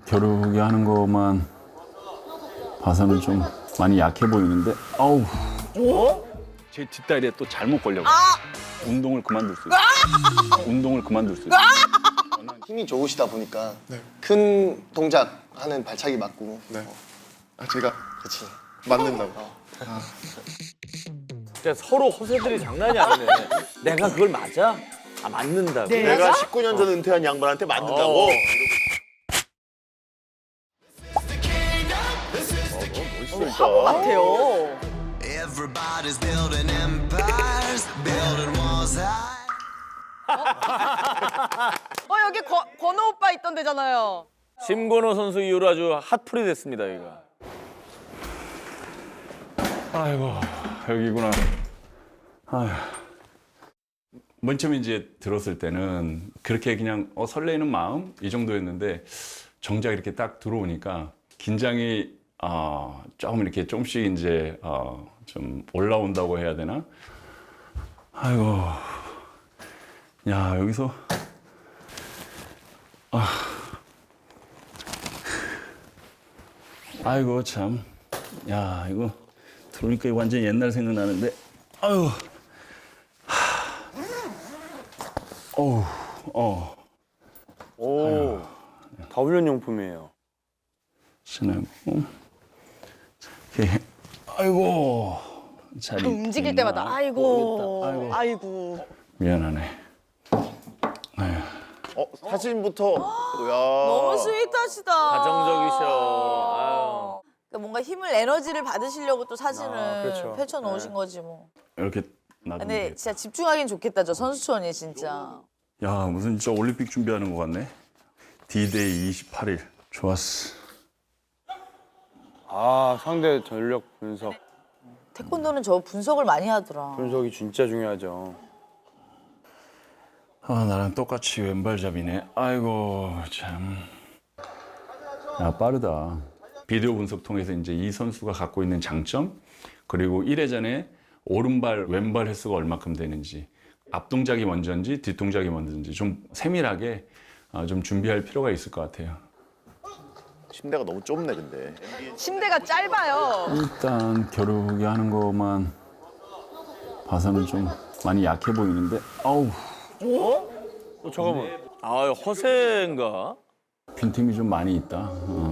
겨루기 하는 것만 봐서는 좀 많이 약해 보이는데, 아우. 제 뒷다리에 또 잘못 걸려가지고 운동을 그만둘 수 있어요. 운동을 그만둘 수 있어요. 힘이 좋으시다 보니까 큰 동작 하는 발차기 맞고. 제가 그렇지. 맞는다고. 진짜 서로 허세들이 장난이 아니네. 내가 그걸 맞아? 아 맞는다고. 내가 19년 전 은퇴한 양반한테 맞는다고. 화보 같아요. Everybody's building empires, building walls high. 여기 권호 오빠 있던 데잖아요. 심건호 선수 이후로 아주 핫플이 됐습니다 여기가. 아이고, 여기구나. 아휴. 맨 처음에 이제 들었을 때는 그렇게 그냥 설레이는 마음 이 정도였는데 정작 이렇게 딱 들어오니까 긴장이 조금 이렇게 조금씩 이제 좀 올라온다고 해야 되나? 아이고, 야 여기서 아이고 참, 야 이거 들어오니까 완전 옛날 생각나는데, 아유, 오, 다 훈련용품이에요. 신하고, 이렇게, 아이고, 잘 움직일 있구나. 때마다 아이고, 모르겠다. 아이고, 아이고. 미안하네. 아유. 사진부터. 너무 스윗하시다. 가정적이셔. 그러니까 뭔가 힘을 에너지를 받으시려고 또 사진을 그렇죠. 펼쳐 놓으신 거지 뭐. 이렇게 놔두면 근데 되겠다. 진짜 집중하긴 좋겠다 저 선수촌이 진짜. 야, 무슨 진짜 올림픽 준비하는 것 같네. D-Day 28일. 좋았어. 아, 상대 전력 분석. 태권도는 저 분석을 많이 하더라. 분석이 진짜 중요하죠. 나랑 똑같이 왼발잡이네. 아이고, 참. 야, 빠르다. 비디오 분석 통해서 이제 이 선수가 갖고 있는 장점, 그리고 1회전에 오른발, 왼발 횟수가 얼마큼 되는지, 앞동작이 먼저인지 뒷동작이 먼저인지 좀 세밀하게 좀 준비할 필요가 있을 것 같아요. 침대가 너무 좁네 근데. 침대가 짧아요. 일단 겨루기 하는 것만 봐서는 좀 많이 약해 보이는데, 아우, 잠깐만. 아 허세인가? 빈틈이 좀 많이 있다.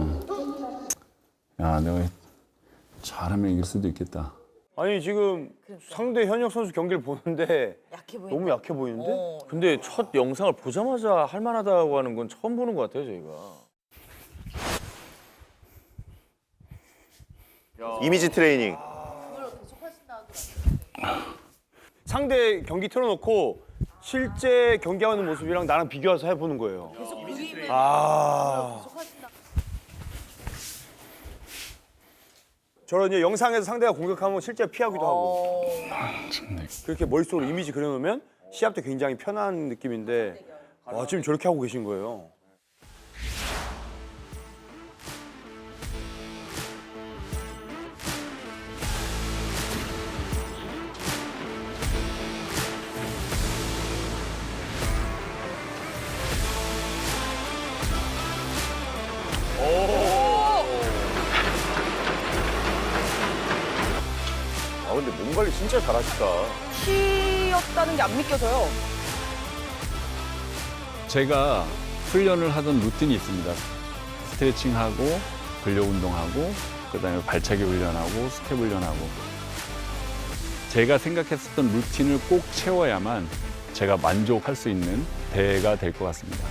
야, 내가 잘하면 이길 수도 있겠다. 아니, 지금 상대 현역 선수 경기를 보는데 약해 보인다. 너무 약해 보이는데? 근데 첫 영상을 보자마자 할 만하다고 하는 건 처음 보는 것 같아요 저희가. 이미지 트레이닝. 상대 경기 틀어놓고 실제 경기하는 모습이랑 나랑 비교해서 해보는 거예요. 아. 저런 이제 영상에서 상대가 공격하면 실제 피하기도 하고. 참네. 그렇게 머릿속으로 이미지 그려놓으면 시합 때 굉장히 편한 느낌인데 와, 지금 저렇게 하고 계신 거예요. 근데 몸 관리 진짜 잘하시다. 키였다는 게 안 믿겨져요. 제가 훈련을 하던 루틴이 있습니다. 스트레칭하고 근력 운동하고 그다음에 발차기 훈련하고 스텝 훈련하고, 제가 생각했었던 루틴을 꼭 채워야만 제가 만족할 수 있는 대회가 될 것 같습니다.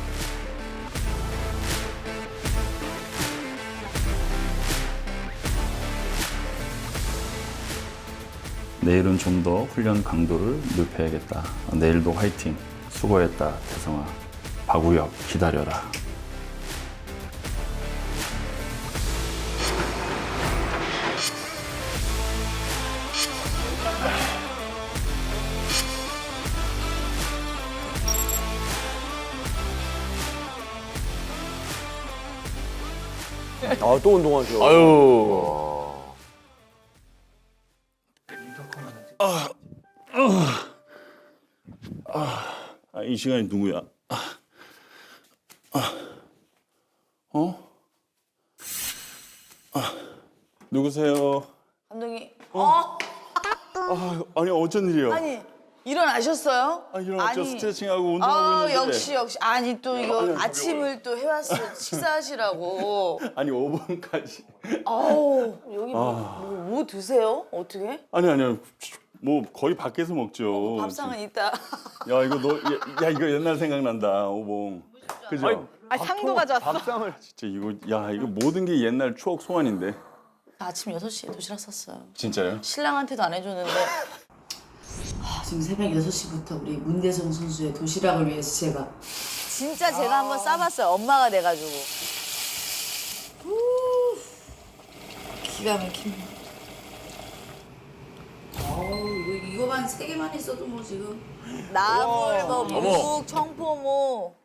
내일은 좀 더 훈련 강도를 높여야겠다. 내일도 화이팅. 수고했다, 태성아. 박우혁, 기다려라. 아, 또 운동하죠. 아유. 이 시간이 누구야? 어? 누구세요? 감독님. 아니 어쩐 일이요? 아니 일어나셨어요? 일어났죠. 아니. 스트레칭하고 운동하고 있는데. 역시 아니 또 이거 아니, 아침을 또 해왔어요. 식사하시라고. 아니 5분까지. 아우 여기 뭐 드세요? 어떻게? 아니요. 뭐 거의 밖에서 먹죠. 밥상은 있다. 야 이거 야 이거 옛날 생각난다 오봉. 그죠? 아 상도 가져왔어. 밥상을. 진짜 이거 모든 게 옛날 추억 소환인데. 아침 6시에 도시락 샀어요. 진짜요? 신랑한테도 안 해줬는데. 지금 새벽 6시부터 우리 문대성 선수의 도시락을 위해서 제가 진짜 제가 한번 싸봤어요. 엄마가 돼가지고. 기가 막힙니다. 이거만 3개만 있어도 뭐 지금 나물, 뭐 묵, 청포모.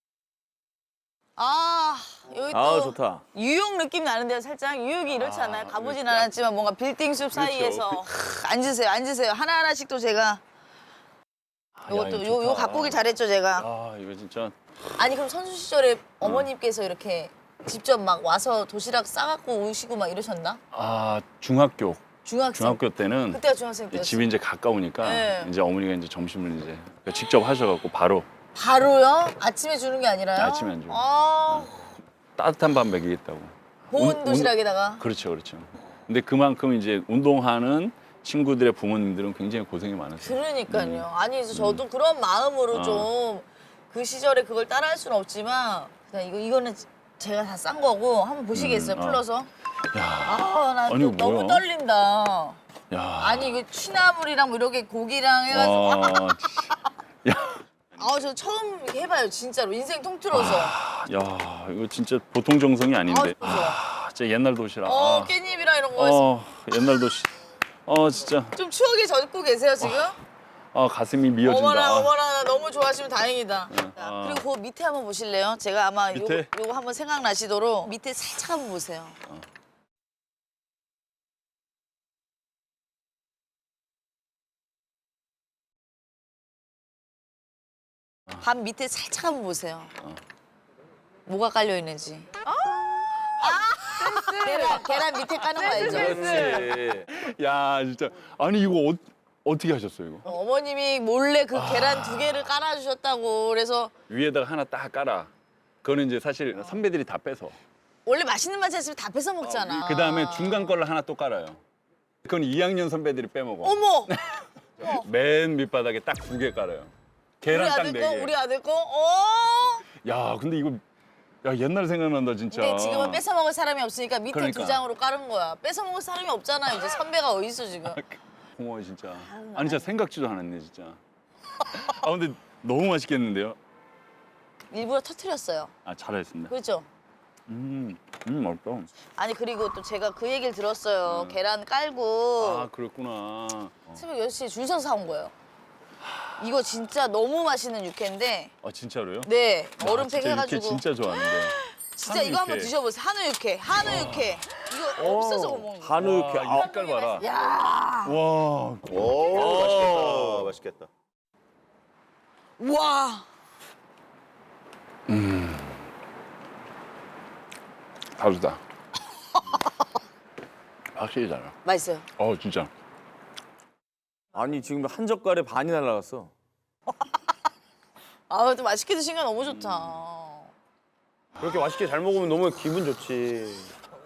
여기 또 아 좋다. 뉴욕 느낌 나는데요, 살짝. 뉴욕이 이렇지 않아요? 가보진 않았지만 뭔가 빌딩숲 사이에서 앉으세요. 하나하나씩 또 제가 이것도 요 갖고 오길 잘했죠, 제가. 이거 진짜. 아니 그럼 선수 시절에 어머님께서 이렇게 직접 막 와서 도시락 싸갖고 오시고 막 이러셨나? 중학교 중학생. 때는 그때가 중학생 때였어요. 집이 이제 가까우니까 네. 이제 어머니가 이제 점심을 이제 직접 하셔갖고 바로 바로요? 아침에 주는 게 아니라요? 아침에 안 줘요. 따뜻한 밥 먹이겠다고. 보온 도시락에다가. 그렇죠. 근데 그만큼 이제 운동하는 친구들의 부모님들은 굉장히 고생이 많았어요. 그러니까요. 아니 그래서 저도 그런 마음으로 좀 그 시절에 그걸 따라할 수는 없지만 그냥 이거는 제가 다 싼 거고 한번 보시겠어요? 풀러서. 나 아니, 이거 너무 뭐야? 떨린다. 야. 아니 이거 취나물이랑 뭐 이렇게 고기랑 해가지고 저 처음 이렇게 해봐요 진짜로 인생 통틀어서. 야, 이거 진짜 보통 정성이 아닌데. 좋아. 진짜 옛날 도시락. 깻잎이랑 이런 거. 옛날 도시. 진짜. 좀 추억에 젖고 계세요 지금? 가슴이 미어진다. 어머나 나 너무 좋아하시면 다행이다. 아. 그리고 그 밑에 한번 보실래요? 제가 아마 밑에? 요거 한번 생각나시도록 밑에 살짝 한번 보세요. 밥 밑에 살짝 한번 보세요. 뭐가 깔려 있는지. 계란 밑에 까는 거 알죠? 그렇지. 야, 진짜. 아니 이거 어떻게 하셨어요 이거? 어머님이 몰래 그 계란 2개를 깔아주셨다고 그래서 위에다가 하나 딱 깔아. 그거는 이제 사실 선배들이 다 빼서. 원래 맛있는 맛 있으면 다 뺏어 먹잖아. 그 다음에 중간 걸로 하나 또 깔아요. 그건 2학년 선배들이 빼먹어. 어머! 맨 밑바닥에 딱 2개 깔아요. 계란 딱 4개. 우리 아들 거? 야, 근데 이거 야 옛날 생각난다 진짜. 근데 지금은 뺏어 먹을 사람이 없으니까 밑에 그러니까. 2장으로 깔은 거야. 뺏어 먹을 사람이 없잖아. 이제 선배가 어디 있어 지금. 고마워 진짜. 아니 진짜 생각지도 않았네 진짜. 근데 너무 맛있겠는데요? 일부러 터트렸어요. 잘했습니다. 그렇죠? 맛있다. 아니 그리고 또 제가 그 얘기를 들었어요. 계란 깔고 그랬구나. 새벽 6시에 줄 서서 사온 거예요. 이거 진짜 너무 맛있는 육회인데 진짜로요? 네 얼음팩 진짜 해가지고 육회 진짜 좋아하는데. 진짜 이거 한번 육회. 드셔보세요. 한우 육회. 이거 없어서 못 먹는 거. 한우 육회. 이 색깔 봐라. 야, 와. 오, 맛있겠다. 와. 다르다. 확실히 달라. 맛있어요. 진짜. 아니 지금 한 젓갈에 반이 날라갔어. 또 맛있게 드신 거 너무 좋다. 그렇게 맛있게 잘 먹으면 너무 기분 좋지.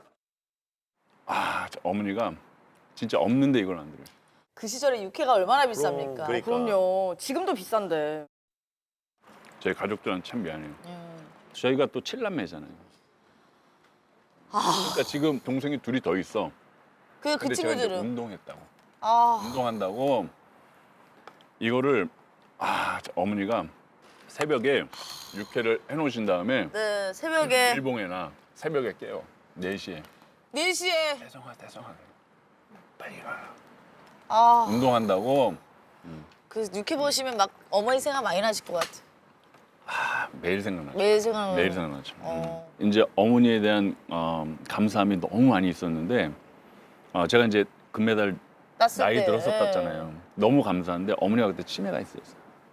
어머니가 진짜 없는데 이걸 안 들어요. 그 시절에 육회가 얼마나 비쌉니까? 그러니까. 그럼요. 지금도 비싼데. 저희 가족들한테 참 미안해요. 저희가 또 7남매잖아요. 그러니까 지금 동생이 둘이 더 있어. 그 근데 제가 이제 친구들은 운동했다고. 아, 운동한다고 이거를 어머니가 새벽에 육회를 해놓으신 다음에 네 새벽에 일봉에나 새벽에 깨요. 4시에. 4시에 대성아 빨리 가. 아, 운동한다고 그 육회 보시면 막 어머니 생각 많이 나실 것 같아. 매일 생각나죠. 매일 생각나요. 매일 생각나죠. 어. 이제 어머니에 대한 감사함이 너무 많이 있었는데 제가 이제 금메달 땄을 나이 때. 들어서 땄잖아요. 너무 감사한데 어머니가 그때 치매가 있었어요.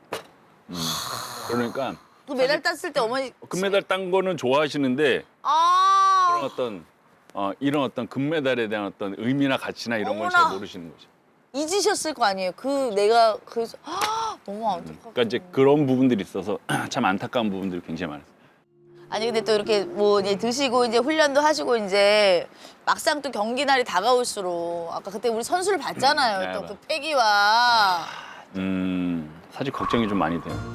그러니까 그 메달 땄을 때 어머니 금메달 딴 거는 좋아하시는데 아, 그런 어떤 이런 어떤 금메달에 대한 어떤 의미나 가치나 이런 걸 어머나. 잘 모르시는 거죠. 잊으셨을 거 아니에요. 내가 너무 안타깝다. 그러니까 이제 그런 부분들이 있어서 참 안타까운 부분들이 굉장히 많았어요. 아니 근데 또 이렇게 뭐 이제 드시고 이제 훈련도 하시고 이제 막상 또 경기 날이 다가올수록 아까 그때 우리 선수를 봤잖아요. 네, 또 맞아요. 그 패기와 사실 걱정이 좀 많이 돼요.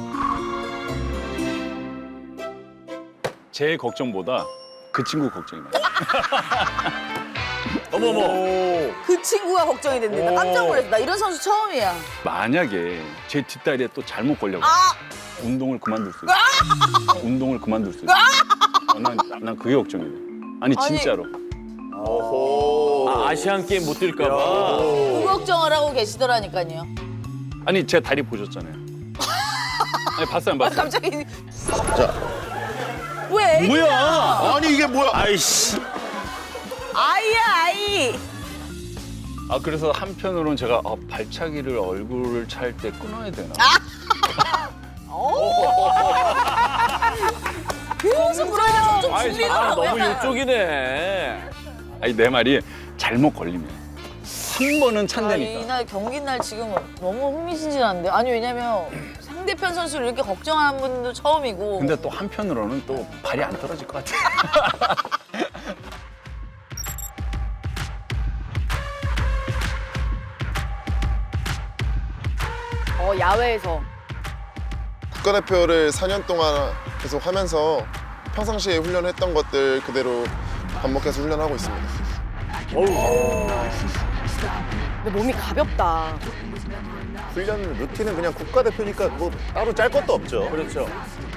제 걱정보다 그 친구 걱정이 많아요. 어머머. 그 친구가 걱정이 된다. 나 깜짝 놀랐어. 나 이런 선수 처음이야. 만약에 제 뒷다리에 또 잘못 걸려가 운동을 그만둘 수 있어. 운동을 그만둘 수 있어. 난 그게 걱정이 돼. 아니 진짜로. 아시안 게임 못 뛸까 봐. 그 걱정을 하고 계시더라니까요. 아니 제 다리 보셨잖아요. 아니 봤어요 안 봤어요? 갑자기. 왜? 뭐야? 아니 이게 뭐야? 아이씨. 아이야 아이. 그래서 한편으로는 제가 발차기를 얼굴을 찰 때 끊어야 되나? 무슨 그러냐 좀 아이, 준비가 너무 이쪽이네. 아니 내 말이 잘못 걸리면 한 번은 찬다니까. 이날 경기 날 지금 너무 흥미진진한데. 아니 왜냐면 상대편 선수를 이렇게 걱정하는 분도 처음이고. 근데 또 한편으로는 또 발이 안 떨어질 것 같아. 야외에서. 국가대표를 4년 동안 계속 하면서 평상시에 훈련했던 것들 그대로 반복해서 훈련하고 있습니다. 근데 몸이 가볍다. 훈련 루틴은 그냥 국가대표니까 뭐 따로 짤 것도 없죠. 그렇죠.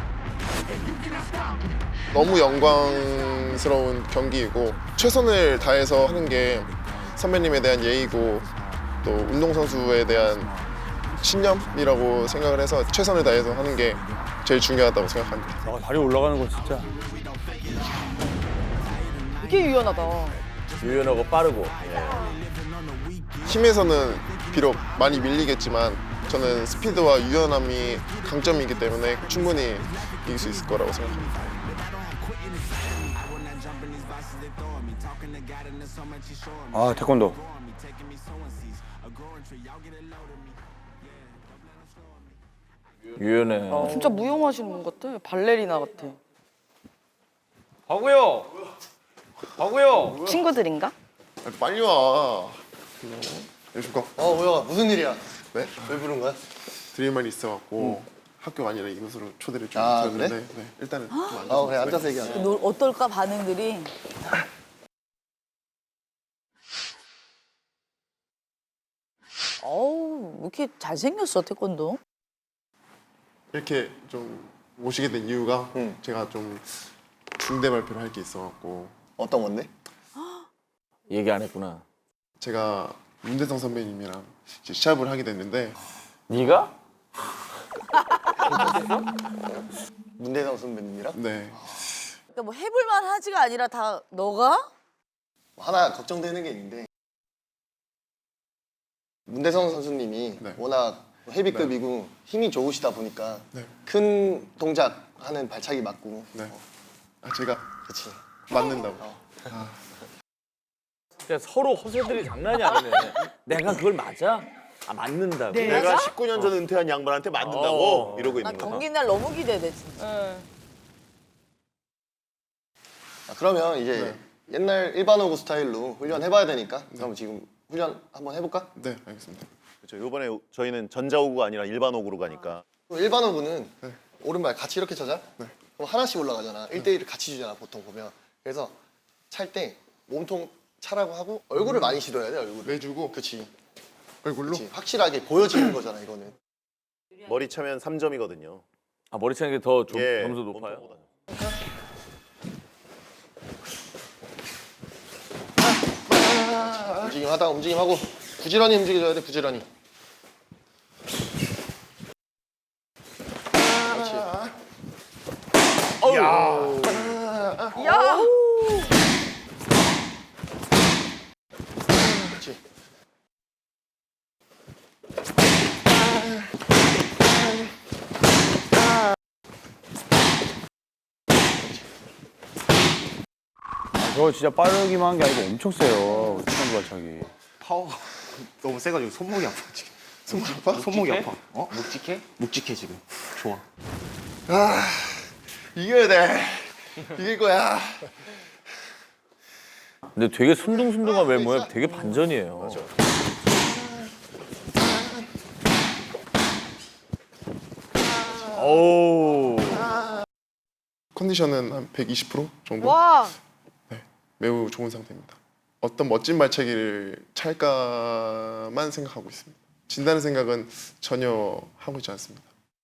너무 영광스러운 경기이고 최선을 다해서 하는 게 선배님에 대한 예의고 또 운동선수에 대한 신념이라고 생각을 해서 최선을 다해서 하는 게 제일 중요하다고 생각합니다. 다리 올라가는 거 진짜. 되게 유연하다. 유연하고 빠르고. 힘에서는 비록 많이 밀리겠지만 저는 스피드와 유연함이 강점이기 때문에 충분히 이길 수 있을 거라고 생각합니다. 태권도. 유연해. 진짜 무용하시는 분 같아. 발레리나 같아. 하고요. 하고요. 친구들인가? 빨리 와. 여신거. 뭐야 무슨 일이야? 네? 왜 부른 거야? 드릴 말이 있어갖고 학교 아니라 이곳으로 초대를 좀 아, 드렸는데 그래? 네, 일단은 좀 앉아서. 그래 앉아서 얘기하자. 어떨까 반응들이. 어우 왜 이렇게 잘생겼어 태권도. 이렇게 좀 오시게 된 이유가 제가 좀 중대 발표를 할 게 있어갖고 어떤 건데? 얘기 안 했구나. 제가 문대성 선배님이랑 이제 시합을 하게 됐는데 네가? 문대성 선배님이랑? 네 그러니까 뭐 해볼만 하지가 아니라 다 너가? 하나 걱정되는 게 있는데 문대성 선수님이 네. 워낙 헤비급이고 힘이 좋으시다 보니까 네. 큰 동작 하는 발차기 맞고 네. 제가 그치 맞는다고. 그러니까 서로 허세들이 장난이 아니네. 내가 그걸 맞아? 맞는다고. 내가 19년 전 은퇴한 양반한테 맞는다고 이러고 나 있는 거야. 경기 날 너무 기대돼 진짜. 그러면 이제 옛날 일반호구 스타일로 훈련해봐야 되니까 그럼 지금 훈련 한번 해볼까? 네 알겠습니다. 그렇죠. 이번에 저희는 전자오구가 아니라 일반 오구로 가니까. 일반호구는 오른발 같이 이렇게 차자. 그럼 하나씩 올라가잖아. 1대1을 같이 주잖아 보통 보면. 그래서 찰 때 몸통 차라고 하고 얼굴을 많이 시도해야 돼 얼굴을. 내주고 그치. 얼굴로? 그치. 확실하게 보여지는 거잖아 이거는. 머리 차면 3점이거든요. 머리 차는 게 더 예, 점수 높아요? 몸통보다. 움직임하다 움직임하고 부지런히 움직여줘야 돼 부지런히. 그렇지. 야! 그렇지. 저 진짜 빠르기만 한 게 아니고 엄청 세요. 추천주 발차기. 파워가 너무 세가지고 손목이 아파 지금. 손목 아파? 손목이 아파. 어? 묵직해? 묵직해 지금. 좋아. 아, 이겨야 돼. 이길 거야. 근데 되게 순둥순둥한 외모에 되게 반전이에요. 맞아. 오. 컨디션은 한 120% 정도? 와. 매우 좋은 상태입니다. 어떤 멋진 발차기를 찰까만 생각하고 있습니다. 진다는 생각은 전혀 하고 있지 않습니다.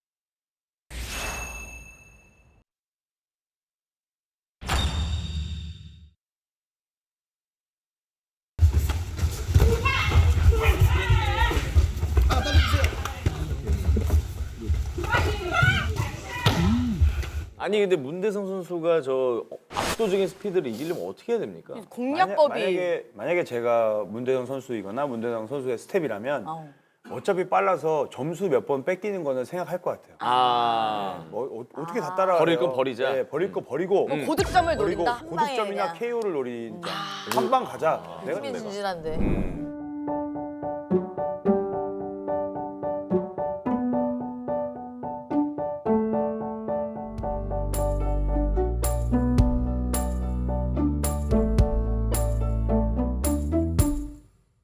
아니 근데 문대성 선수가 저 압도적인 스피드를 이기려면 어떻게 해야 됩니까? 공략법이. 만약에 제가 문대성 선수이거나 문대성 선수의 스텝이라면 어차피 빨라서 점수 몇 번 뺏기는 거는 생각할 것 같아요. 아 어떻게 다 따라가요? 버릴 건 버리자. 네, 버릴 거 버리고 고득점을 버리고 노린다 한 방에 고득점이나 그냥. KO를 노린다. 한 방 가자. 내가 흥미진진한데.